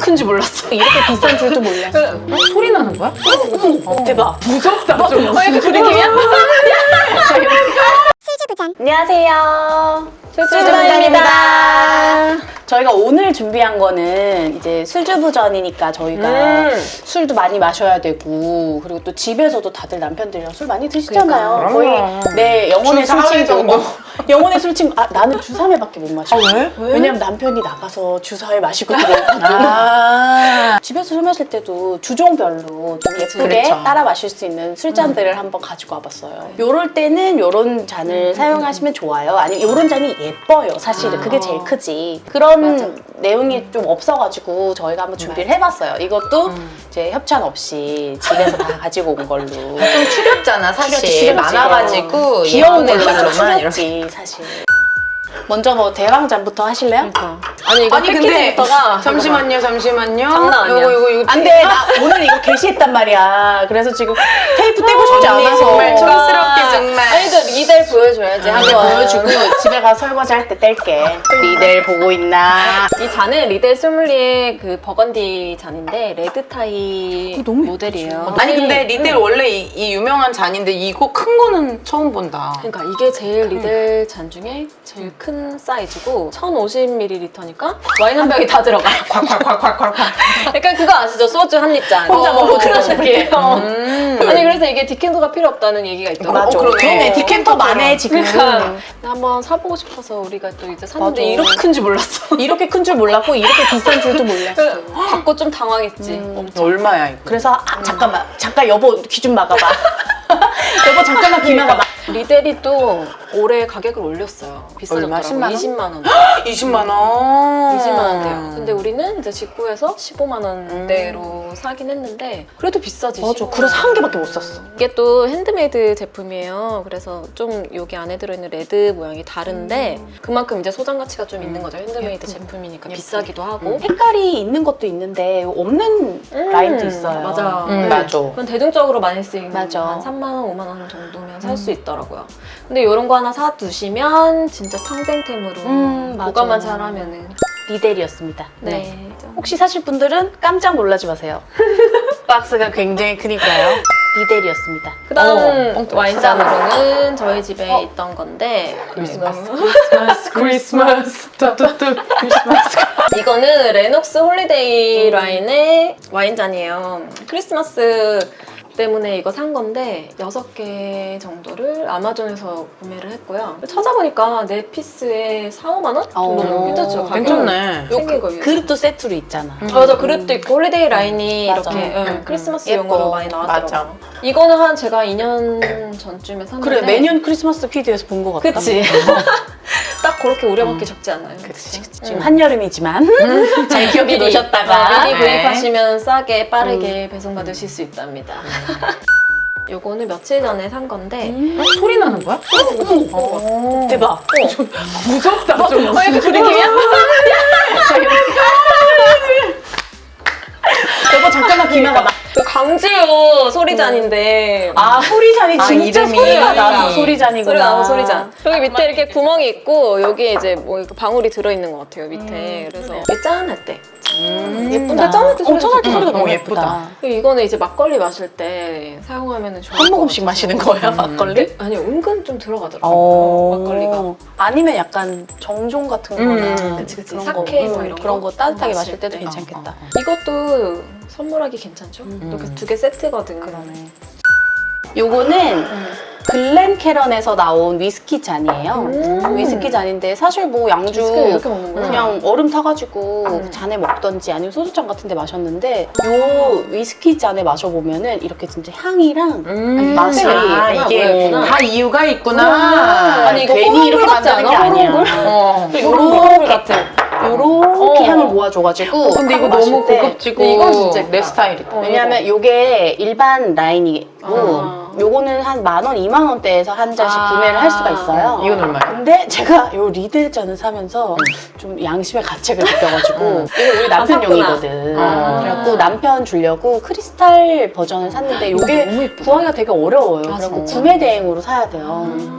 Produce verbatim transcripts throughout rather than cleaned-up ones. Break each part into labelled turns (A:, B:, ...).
A: 큰지 몰랐어. 이렇게 비싼 줄도 몰랐어.
B: 어? 소리 나는 거야?
A: 어, 대박.
B: 무섭다 좀.
A: 어, 약간 그 느낌이야? 안녕하세요. 술주부전입니다. 저희가 오늘 준비한 거는 이제 술주부전이니까 저희가
B: 음.
A: 술도 많이 마셔야 되고, 그리고 또 집에서도 다들 남편들이랑 술 많이 드시잖아요.
B: 그러니까.
A: 거의 내 영혼의
B: 주 사 회
A: 술친구.
B: 정도?
A: 어, 영혼의 술친구. 아, 나는 주 삼 회밖에 못 마셔.
B: 아, 왜? 왜?
A: 왜냐면 남편이 나가서 주 사 회 마시고 들어오거든.
B: 아.
A: 집에서 술 마실 때도 주종별로 좀 예쁘게
B: 그렇죠.
A: 따라 마실 수 있는 술잔들을 음. 한번 가지고 와봤어요. 요럴 때는 요런 잔을 음. 사용하시면 좋아요. 아니면 요런 잔이 예뻐요. 사실은
B: 아.
A: 그게 제일 크지. 그런
B: 맞아.
A: 내용이 좀 없어가지고 저희가 한번 준비를 해봤어요. 이것도
B: 음.
A: 이제 협찬 없이 집에서 다 가지고 온 걸로.
B: 좀 추렸잖아 사실.
A: 추렸지, 추렸지.
B: 많아가지고
A: 귀여운
B: 예쁜
A: 걸로
B: 걸로만 이렇게.
A: 추렸지 사실. 먼저 뭐 대왕잔부터 하실래요?
C: 그러니까. 아니 이거
B: 아니 근데
C: 패키지부터가
B: 잠시만요 잠시만요.
C: 장난 아니야.
B: 요거 요거 이거
A: 안 돼, 나 오늘 이거 게시했단 말이야. 그래서 지금 테이프 떼고 싶지
B: 언니
A: 않아서.
B: 정말 촌스럽게 정말.
C: 아니 그 리델 보여줘야지
A: 한번
C: 한번
A: 보여주고 집에 가서 설거지 할 때 뗄게. 리델 보고 있나?
C: 이 잔은 리델 소믈리에 그 버건디 잔인데 레드 타이
A: 너무
C: 모델이에요.
B: 아니 근데 리델 원래 이, 이 유명한 잔인데 이거 큰 거는 처음 본다.
C: 그러니까 이게 제일 리델 잔 중에 제일 큰 사이즈고 천오십 밀리리터니까 와인 한 병이 다 들어가.
B: 콸콸콸콸콸콸.
C: 약간 그거 아시죠? 소주 한 입잔.
A: 혼자 먹고
C: 그런
A: 싶을
C: 느낌.
A: 때.
B: 음.
C: 아니 그래서 이게 디켄터가 필요 없다는 얘기가 있더라고.
A: 맞아.
B: 어, 그러네.
A: 그러네. 디켄터만해 지금.
C: 그러니까 한번 사보고 싶어서 우리가 또 이제 샀는데
A: 맞아.
C: 이렇게 큰 줄 몰랐어.
A: 이렇게 큰 줄 몰랐고 이렇게 비싼 줄도 몰랐어.
C: 받고 좀 당황했지.
A: 음.
B: 얼마야 이거?
A: 그래서 아, 잠깐만, 잠깐 여보 귀 좀 막아봐. 여보 잠깐만 귀 막아봐.
C: 리델이 또 올해 가격을 올렸어요.
B: 얼마?
C: 비싸졌더라고.
B: 십만 원?
C: 이십만 원.
B: 이십만 원.
C: 이십만 원대요. 근데 우리는 이제 직구해서 십오만 원대로 사긴 했는데 그래도 비싸지.
A: 맞아.
C: 십오만
A: 그래서 한
C: 원.
A: 개밖에 못 샀어.
C: 이게 또 핸드메이드 제품이에요. 그래서 좀 여기 안에 들어있는 레드 모양이 다른데 그만큼 이제 소장 가치가 좀 있는 거죠. 핸드메이드 제품이니까 비싸기도 하고.
A: 색깔이 있는 것도 있는데 없는
C: 음,
A: 라인도 있어요.
C: 맞아.
B: 음,
C: 네.
B: 맞아.
C: 그건 대중적으로 많이 쓰이는
A: 맞아.
C: 한 삼만 원, 오만 원 정도면 살 수 있더라고요. 근데 이런 거 하나 사두시면 진짜 평생템으로
A: 음, 맞아.
C: 보관만 잘하면은.
A: 리델이었습니다.
C: 네.
A: 혹시 사실 분들은 깜짝 놀라지 마세요. 박스가 굉장히 크니까요. 리델이었습니다.
C: 그 다음
B: 어,
C: 와인잔으로는 저희 집에 있던 건데
B: 크리스마스. 크리스마스. 크리스마스. 뚜뚜뚜. 크리스마스.
C: 이거는 레녹스 홀리데이 라인의 와인잔이에요. 크리스마스 때문에 이거 산 건데 여섯 개 정도를 아마존에서 구매를 했고요. 찾아보니까 네 피스에 사오만 원 정도
A: 어,
C: 괜찮죠? 가격?
B: 괜찮네.
C: 생긴 거 위해서.
A: 그릇도 세트로 있잖아.
B: 음.
C: 아, 맞아, 그릇도 있고 홀리데이 라인이
A: 맞아.
C: 이렇게
A: 음,
C: 응,
B: 음,
C: 크리스마스용으로
A: 예뻐.
C: 많이 나왔더라고요.
B: 맞아.
C: 이거는 한 제가 이 년 전쯤에 샀는데
A: 그래, 매년 크리스마스 피디에서 본 것 같다.
C: 그치? 딱 그렇게 우려먹기 적지 않아요.
A: 그치.
C: 그치?
A: 지금 한여름이지만 잘 기억해
C: 미리,
A: 놓으셨다가
C: 어, 미리
B: 네.
C: 구입하시면 싸게 빠르게 배송받으실 수 있답니다. 요거는 며칠 전에 산 건데
A: 음.
B: 어? 소리 나는 거야?
C: 어.
A: 대박.
B: 무섭다 좀.
A: 어, 약간 그 느낌이야? 여보 잠깐만 귀 막아봐.
C: 그 강지호 소리잔인데
A: 아 소리잔이
B: 아,
A: 진짜
B: 이름이.
A: 소리가 나서 소리잔이구나.
C: 소리가 나서 소리잔. 여기 밑에 이렇게 구멍이 있고 여기에 이제 뭐 이렇게 방울이 들어있는 것 같아요 밑에. 그래서 이게 짠할 때.
B: 음.
C: 예쁜데 짠할 때
A: 엄청 할 때
C: 소리가
A: 소리가
B: 음.
A: 너무
B: 어,
A: 예쁘다.
B: 예쁘다.
C: 그리고 이거는 이제 막걸리 마실 때 사용하면 좋을
A: 한
C: 것
A: 모금씩
C: 같아서.
A: 마시는 거야 막걸리?
C: 아니 은근 좀 들어가더라고요
A: 어.
C: 막걸리가.
A: 아니면 약간 정종 같은 거나
B: 음.
C: 그치, 그치.
A: 그런
C: 사케
A: 거,
C: 뭐
A: 음,
C: 이런
A: 그런
C: 거
A: 거 따뜻하게
C: 마실
A: 마실 때도
C: 때.
A: 괜찮겠다.
B: 어, 어, 어.
C: 이것도 선물하기 괜찮죠?
B: 음.
C: 이렇게 두 개 세트거든.
A: 그러네. 요거는
C: 음.
A: 글렌캐런에서 나온 위스키 잔이에요.
C: 음.
A: 위스키 잔인데 사실 뭐 양주
C: 위스키를 이렇게 먹는구나.
A: 그냥 얼음 타가지고
C: 음.
A: 잔에 먹던지 아니면 소주잔 같은 데 마셨는데 요 위스키 잔에 마셔보면은 이렇게 진짜 향이랑
B: 음.
A: 맛이
B: 아, 이게
C: 뭐였구나.
B: 다 이유가 있구나.
A: 아니, 이거
B: 괜히 이렇게
C: 호롱불 같지
B: 만드는 게
C: 않아?
B: 아니야.
C: 호롱불?
B: 어.
C: 호롱불 같아.
A: 요렇게
C: 어.
A: 향을 모아줘가지고
B: 근데 이거
A: 마실
B: 너무
A: 때
B: 고급지고
C: 근데 이건 진짜
B: 내
C: 예쁘다.
B: 스타일이다.
C: 어.
A: 왜냐면 요게 일반 라인이고
C: 아.
A: 요거는 한 만 원, 이만 원대에서 한 잔씩
C: 아.
A: 구매를 할 수가 있어요.
B: 이건 얼마야?
A: 근데 제가 요 리델 잔을 사면서 좀 양심의 가책을 느껴가지고
B: 음.
A: 이거 우리 남편용이거든.
B: 아.
A: 그래갖고 남편 주려고 크리스탈 버전을 샀는데 요게
C: 너무 예쁘다.
A: 구하기가 되게 어려워요.
C: 맞아.
A: 그래갖고 구매 대행으로 사야 돼요.
C: 음.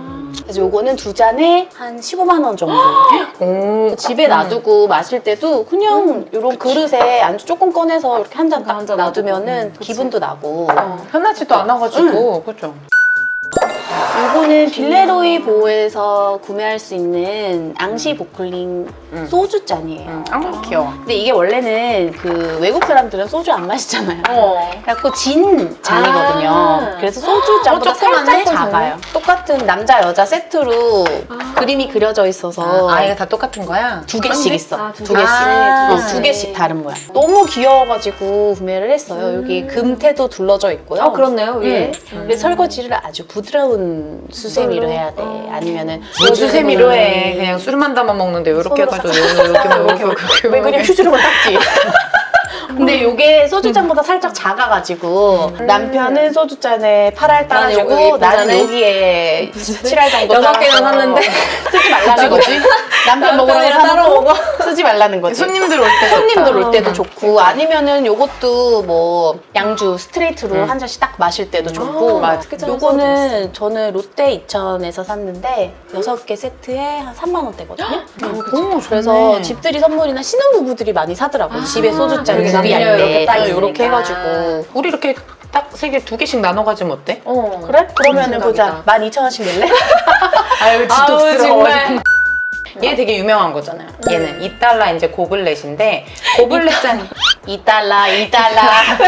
A: 그래서 요거는 두 잔에 한 십오만 원 정도.
B: 오,
A: 집에 놔두고 마실 때도 그냥 이런 그릇에 안주 조금 꺼내서 이렇게 한 잔 딱
C: 한잔
A: 놔두면은
C: 놔두고.
A: 기분도 나고.
C: 어.
B: 편하지도 않아가지고 그죠?
A: 이거는 빌레로이 보에서 구매할 수 있는 앙시 보클링
B: 음.
A: 소주 잔이에요.
B: 응, 아, 귀여워.
A: 근데 이게 원래는 그 외국 사람들은 소주 안 마시잖아요.
C: 어.
A: 그래갖고 진 잔이거든요.
C: 아.
A: 그래서 소주 잔보다
B: 어, 조그맣네?
A: 살짝 작아요. 똑같은 남자 여자 세트로
C: 아.
A: 그림이 그려져 있어서
B: 아, 이거 다 똑같은 거야?
A: 두 개씩 있어.
C: 아, 두
A: 두 개씩.
B: 아.
A: 어, 두 개씩 다른 모양. 너무 귀여워가지고 구매를 했어요. 여기 금태도 둘러져 있고요.
C: 아, 그렇네요, 위에.
A: 음. 근데 설거지를 아주 부드러운 수세미로
C: 이걸로?
A: 해야 돼.
C: 어.
A: 아니면은
B: 뭐 수세미로 해. 그냥 술만 담아 먹는데 이렇게
A: 손으로
B: 해가지고 이렇게 막 이렇게 이렇게
A: 왜 그냥 휴지로만 닦지? 근데 요게 소주잔보다 살짝 작아가지고 남편은 소주잔에 팔 알
C: 나는 요거
A: 따라주고
C: 예쁜
A: 나는
C: 잔에
A: 여기에 칠 알 정도
C: 여섯 개나
A: 따라서
C: 샀는데
A: 쓰지 말라는 거지. 남편 먹으라고
C: 남편이랑 따로
A: 사놓고
C: 먹어.
A: 쓰지 말라는 거지.
B: 손님들 올 때
A: 손님들 올 때도
C: 어.
A: 좋고 아니면은 요것도 뭐 양주 스트레이트로
B: 음.
A: 한 잔씩 딱 마실 때도 좋고.
C: 맞아. 그 잔
A: 요거는 저는 롯데 이천에서 샀는데 여섯 개 세트에 한 삼만 원대거든요.
B: 오,
A: 그래서
B: 좋네.
A: 집들이 선물이나 신혼부부들이 많이 사더라고요.
C: 아,
A: 집에 소주잔
C: 이렇게
A: 준비할
C: 남녀
A: 때
C: 이렇게 딱
A: 이렇게
C: 있으니까.
A: 해가지고.
B: 우리 이렇게 딱 세 개 두 개씩 나눠 가지면 어때?
C: 어.
A: 그래? 그러면은
C: 생각이다.
A: 보자. 만 이천 원씩 낼래?
B: 아유
C: 아우, 정말.
B: 얘 되게 유명한 거잖아요. 얘는 이 달러 이제 고블렛인데 고블렛 잔
A: 이 달러, 이 달러.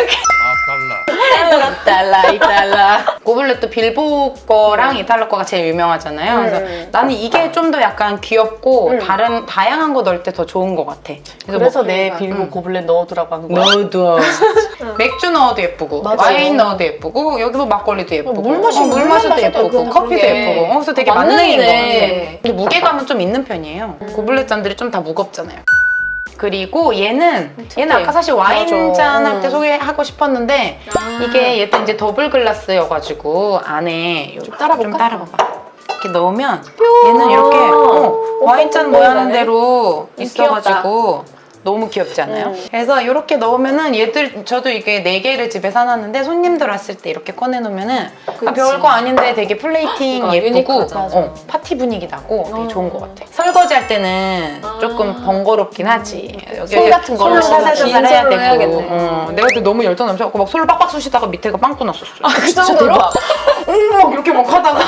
D: 달러.
A: 이 달러, 이 달러.
B: 고블렛도 빌보 거랑 이탈리아 거가 제일 유명하잖아요. 그래서
C: 음.
B: 나는 이게 좀 더 약간 귀엽고
C: 음.
B: 다른 다양한 거 넣을 때 더 좋은 것 같아.
A: 그래서
B: 뭐
A: 내
C: 그러니까.
A: 빌보
B: 음.
A: 고블렛 넣어두라고 한 거야.
B: 넣어도 맥주 넣어도 예쁘고
A: 맞아.
B: 와인 넣어도 예쁘고 여기 뭐 막걸리도 예쁘고
A: 물 마시-
B: 어, 물
A: 물만
B: 마셔도
A: 마셔도
B: 예쁘고
A: 그냥
B: 커피도
C: 그러게.
B: 예쁘고 어, 그래서 되게
C: 어,
B: 만능인 것
C: 만능이네.
B: 같아. 근데 무게감은 좀 있는 편이에요. 고블렛 잔들이 좀 다 무겁잖아요. 그리고 얘는 얘는 아까 사실 와인
A: 맞아.
B: 잔 할 때
A: 음.
B: 소개하고 싶었는데
C: 아.
B: 이게 얘도 이제 더블 글라스여가지고 안에 좀
A: 따라볼까?
B: 좀 따라봐봐. 이렇게 넣으면 얘는 이렇게 어, 와인잔 모양
C: 나네.
B: 대로
A: 음,
B: 있어가지고 너무 귀엽지 않아요?
A: 음.
B: 그래서 이렇게 넣으면은 얘들 저도 이게 네 개를 집에 사놨는데 손님들 왔을 때 이렇게 꺼내 놓으면은 아,
C: 그치.
B: 별거 아닌데 되게 플레이팅
C: 그러니까
B: 예쁘고
C: 유니크하잖아.
B: 어, 파티 분위기 나고 되게
C: 어.
B: 좋은 것 같아. 설거지 할 때는
C: 아.
B: 조금 번거롭긴 하지. 여기
A: 손 같은 걸로
B: 솔로 살살
C: 긴
B: 살살 해야
C: 솔로
B: 되고.
C: 해야겠네.
B: 어, 내가 그때 너무 열정 넘쳐갖고 막 솔로 빡빡 쑤시다가 밑에가 빵꾸 났었어.
C: 그 정도로?
B: 어, 막 이렇게 막 하다가.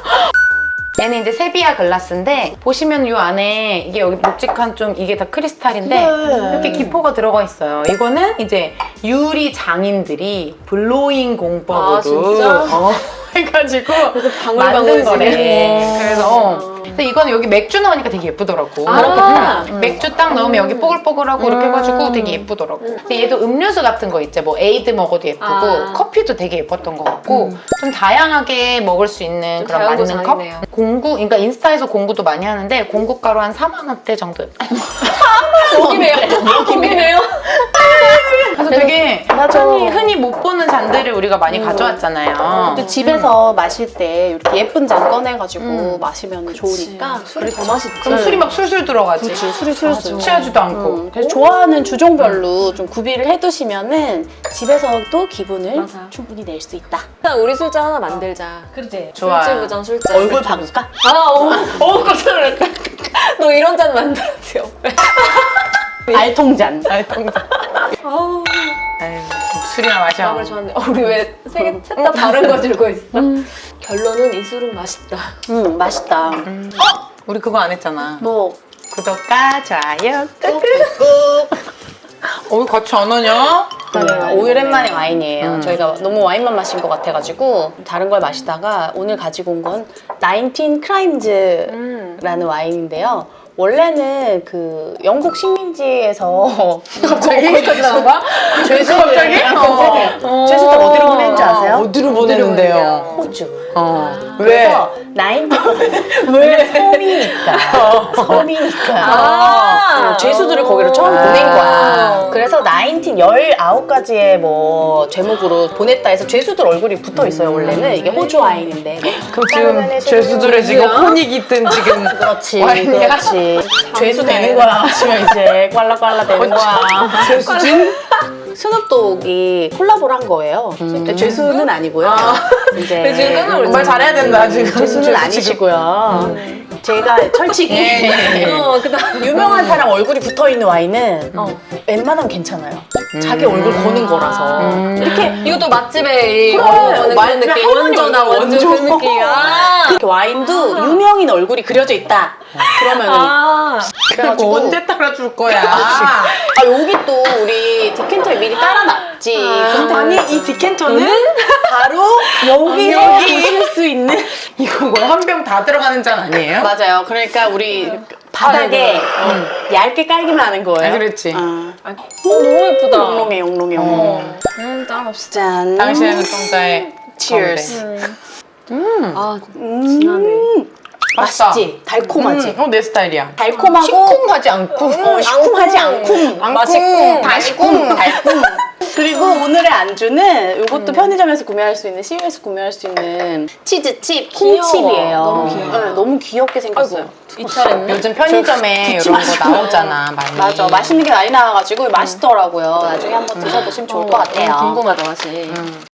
B: 얘는 이제 세비야 글라스인데 보시면 이 안에 이게 여기 묵직한 좀 이게 다 크리스탈인데
A: 그래.
B: 이렇게 기포가 들어가 있어요. 이거는 이제 유리 장인들이 블로잉 공법으로
C: 아, 진짜?
B: 어, 해가지고
C: 방울방울
B: 만든 거래.
C: 지네.
B: 그래서 어. 근데 이거는 여기 맥주 넣으니까 되게 예쁘더라고.
C: 아.
B: 음. 맥주 딱 넣으면 여기 뽀글뽀글하고 이렇게 해가지고 되게 예쁘더라고. 근데 얘도 음료수 같은 거 있지. 뭐 에이드 먹어도 예쁘고
C: 아.
B: 커피도 되게 예뻤던 것 같고 좀 다양하게 먹을 수 있는
C: 좀
B: 그런 맞는 컵.
C: 다양고장이네요.
B: 공구, 그러니까 인스타에서 공구도 많이 하는데 공구가로 한 사만 원대 정도.
C: 여기네요. 여기네요.
B: 그래서 되게
A: 맞아.
B: 흔히, 흔히 못 보는 잔들을 우리가 많이 가져왔잖아요.
A: 또 집에서 마실 때 이렇게 예쁜 잔 꺼내가지고
B: 음.
A: 마시면 좋으니까.
C: 술이 더 맛있지.
B: 그럼 술이 막 술술 들어가지.
A: 그렇지, 술이 술술.
B: 취하지도 않고.
A: 음, 그래서 좋아하는 주종별로 좀 구비를 해두시면은 집에서도 기분을
C: 맞아.
A: 충분히 낼 수 있다.
C: 일단 우리 술잔 하나 만들자.
A: 그렇지.
B: 좋아요.
C: 술집부장 술잔.
A: 얼굴 바꿀까?
C: 아, 어, 어, 깜짝 놀랐다. 너 이런 잔 만들었지, 옆에.
A: 알통잔.
B: 알통잔.
C: 아우,
B: 아유, 술이나 마셔.
C: 마음을 좋았네. 어, 우리 왜 셋 다 다른 거 들고 있어? 결론은 이 술은 맛있다.
A: 음, 맛있다.
B: 음. 어? 우리 그거 안 했잖아.
A: 뭐
B: 구독과 좋아요 꾹꾹꾹. 어, 왜 같이 안 하냐?
A: 네, 오랜만에 와인이에요.
B: 음.
A: 저희가 너무 와인만 마신 것 같아가지고 다른 걸 마시다가 오늘 가지고 온 건 나인틴 크라임즈라는
C: 음.
A: 와인인데요. 원래는 그 영국 식민지에서
B: 갑자기?
C: 거기까지 나온 거야?
B: 갑자기?
A: 어. 죄수들 어디로 보낸지 아세요?
B: 어디로 보내는데요?
A: 호주.
B: 어.
A: 그래서 나인틴 왜 섬이니까 섬이니까
C: 아.
A: 어, 죄수들을 거기로 처음
B: 아.
A: 보낸 거야. 그래서 나인틴 열아홉 가지의 뭐 제목으로 보냈다 해서 죄수들 얼굴이 붙어 있어요. 원래는 이게 호주 와인인데.
B: 그럼 지금 죄수들의 지금 혼이 깃든 지금
A: 그렇지,
B: 와인이야?
A: 그렇지. 죄수 되는 거야. 하시면 이제 꽐라꽐라 되는 거야.
B: 죄수진?
A: 스눕독이 콜라보를 한 거예요. 근데 죄수는 아니고요. 이제
C: 네, 지금 깜짝 놀랐어요.
B: 말 잘해야 된다 지금.
A: 죄수는 아니시고요. 제가 철칙이
C: 어, 그다음
A: 유명한 사람 얼굴이 붙어 있는 와인은
C: 어.
A: 웬만하면 괜찮아요. 자기 얼굴 거는 거라서
B: 음.
A: 이렇게
C: 이것도 맛집에
A: 그래,
C: 거는 그런
A: 맛집에
C: 느낌.
A: 할머니
C: 원조나
A: 얼굴
C: 원조 그
A: 원조.
C: 느낌. 아.
A: 그 와인도 유명인 얼굴이 그려져 있다. 그러면
C: 아.
A: 그래가지고
B: 뭐 언제 따라줄 거야?
A: 아 여기 또 우리 디켄터에 미리 따라놨지. 근데
B: 아니 이 디켄터는
A: 바로 여기
B: 아,
A: 여기 보실 수 있는
B: 이거 뭐 한 병 다 들어가는 잔 아니에요?
A: 맞아요. 그러니까 우리 바닥에 어, 얇게 깔기만 하는 거예요.
B: 아, 그렇지.
A: 어.
C: 아, 어, 너무 예쁘다.
A: 영롱해 영롱해 영롱해.
C: 어. 음, 따라갑시다.
A: 짠.
B: 당신의 눈동자에
A: Cheers.
C: 음.
B: 음.
C: 아,
A: 음.
C: 진하네.
A: 맛있지?
B: 맛있다.
A: 달콤하지?
B: 음, 어, 내 스타일이야.
A: 달콤하고
B: 시큼하지 않고.
A: 어, 시큼하지 않고
B: 맛있고 달콤.
A: 달콤. 그리고 오늘의 안주는 이것도 편의점에서 구매할 수 있는 씨유에서 구매할 수 있는 치즈칩,
C: 귀여워.
A: 콩칩이에요.
C: 너무 귀여워.
A: 네, 너무 귀엽게 생겼어요.
C: 이탈했네.
B: 요즘 편의점에
A: 굳이
B: 이런 거
A: 마시고.
B: 나오잖아 많이.
A: 맞아, 맛있는 게 많이 나와가지고 맛있더라고요. 나중에 한번 드셔보시면 좋을 것 같아요.
C: 음, 궁금하다 맛이.
B: 음.